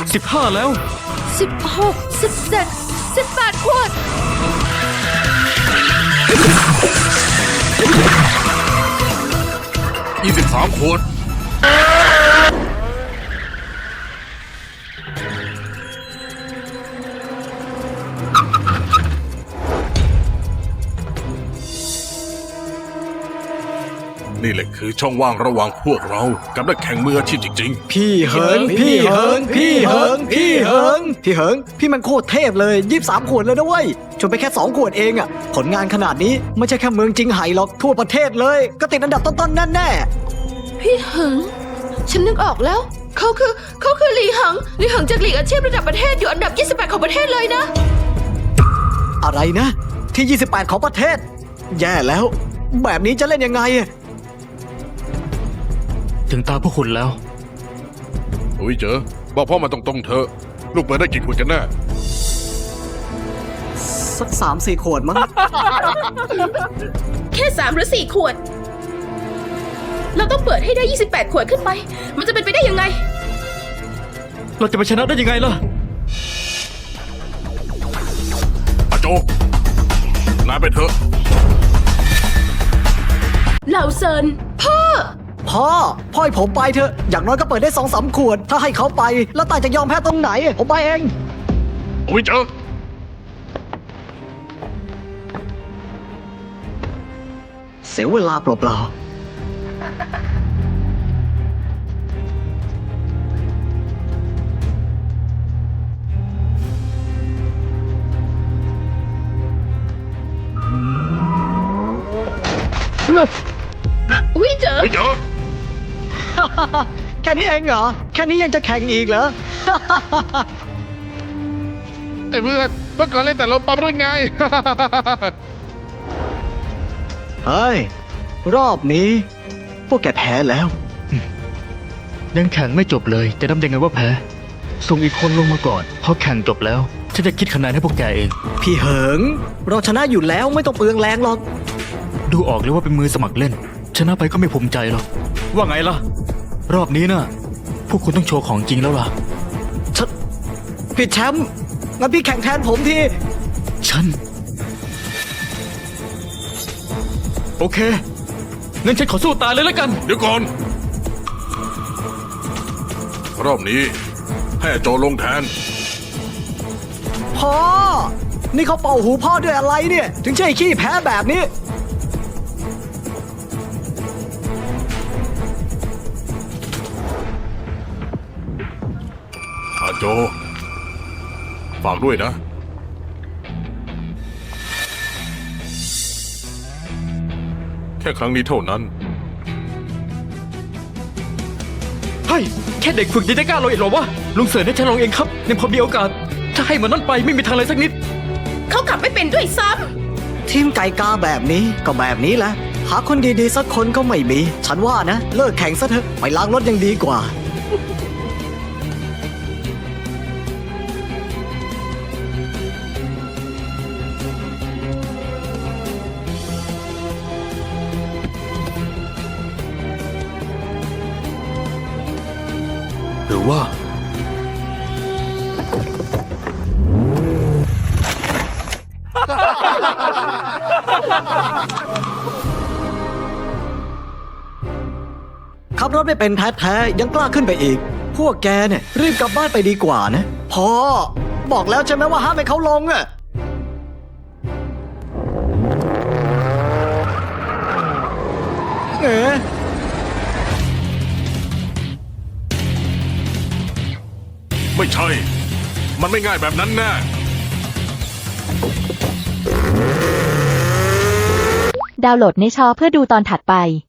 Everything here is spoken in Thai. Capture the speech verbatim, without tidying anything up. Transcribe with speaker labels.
Speaker 1: สิบห้าแล้ว
Speaker 2: สิบหกสิบเจ็ดสิบแปดขวด
Speaker 3: ยี่สิบสามขวดนี่แหละคือช่องว่างระหว่างพวกเรากับนักแข่งมืออาชีพจริงๆ
Speaker 4: พี่เหิงพี่เหิงพี่เหิงพี่เหิงพี่เหิงพี่มันโคตรเทพเลยยี่สิบสามขวดเลยนะเว้ยชนไปแค่สองขวดเองอะผลงานขนาดนี้ไม่ใช่แค่เมืองจิงไห่หรอกทั่วประเทศเลยก็ติดอันดับต้นๆแน่ๆ
Speaker 2: พี่เหิงฉันนึกออกแล้วเขาคือเขาคือหลีหังหลีหังจากลีกอาชีพระดับประเทศอยู่อันดับยี่สิบแปดของประเทศเลยนะ
Speaker 4: อะไรนะที่ยี่สิบแปดของประเทศแย่แล้วแบบนี้จะเล่นยังไง
Speaker 1: ถึงตาพวกคุณแล้ว
Speaker 3: อุ้ยเจอบอกพ่อมาตรงๆเถอะลูกเปิดได้กี่ขวดกันแน่
Speaker 4: สักสามสี่ขวดมั้ง
Speaker 2: แค่สามหรือสี่ขวดเราต้องเปิดให้ได้ยี่สิบแปดขวดขึ้นไปมันจะเป็นไปได้ยังไง
Speaker 1: เราจะไปชนะได้ยังไงล่ะ
Speaker 3: อาโจนายไปเถอะ
Speaker 2: เหล่าเซินพ่อ
Speaker 4: พ่อพ่อให้ผมไปเถอะอย่างน้อยก็เปิดได้สองสามขวดถ้าให้เขาไปแล้วตายจะยอมแพ้ตรงไหนผมไปเอง
Speaker 3: อุ้ยเจอ
Speaker 4: เสียเวลาเปล่า
Speaker 2: ๆอุ้ยเจอ
Speaker 3: อุ้ยเจอ
Speaker 4: แค่นี้เองเหรอแค่นี้ยังจะแข่งอีกเหรอ
Speaker 3: ไอ้เพื่อนเมื่อก่อนเล่นแต่ลมปั๊มหรือไง
Speaker 4: เฮ้ยรอบนี้พวกแกแพ้แล้ว
Speaker 1: ยังแข่งไม่จบเลยจะนับยังไงว่าแพ้ส่งอีกคนลงมาก่อนพอแข่งจบแล้วฉันจะคิดคะแนนให้พวกแกเอง
Speaker 4: พี่เหิงเราชนะอยู่แล้วไม่ต้องเปลืองแรงหรอก
Speaker 1: ดูออกเลยว่าเป็นมือสมัครเล่นชนะไปก็ไม่ภูมิใจหรอกว่าไงล่ะรอบนี้น่ะพวกคุณต้องโชว์ของจริงแล้วล่ะ
Speaker 4: ฉันพี่แชมป์งั้นพี่แข่งแทนผมที
Speaker 1: ฉันโอเคงั้นฉันขอสู้ตายเลยแล้วกัน
Speaker 3: เดี๋ยวก่อนรอบนี้ให้โจลงแทน
Speaker 4: พ่อนี่เขาเป่าหูพ่อด้วยอะไรเนี่ยถึงใช่ขี้แพ้แบบนี้
Speaker 3: อาโจฝากด้วยนะแค่ครั้งนี้เท่านั้น
Speaker 1: เฮ้ยแค่เด็กฝึกยังจะกล้าลงอีกเหรอวะลุงเสิร์ชให้ฉันลองเองครับในพอมีโอกาสถ้าให้มันนั่นไปไม่มีทางเลยสักนิด
Speaker 2: เขาขับไม่เป็นด้วยซ้
Speaker 4: ำทีมไก่กาแบบนี้ก็แบบนี้แหละหาคนดีๆสักคนก็ไม่มีฉันว่านะเลิกแข่งซะเถอะไปล้างรถยังดีกว่า
Speaker 1: หรือว่า
Speaker 4: ขับรถไม่เป็นแท้ๆยังกล้าขึ้นไปอีกพวกแกเนี่ยรีบกลับบ้านไปดีกว่านะพ่อบอกแล้วใช่ไหมว่าห้ามให้เขาลงอะเอ๋
Speaker 3: ไม่ใช่มันไม่ง่ายแบบนั้นแน่
Speaker 5: ดาวน์โหลดในชอเพื่อดูตอนถัดไป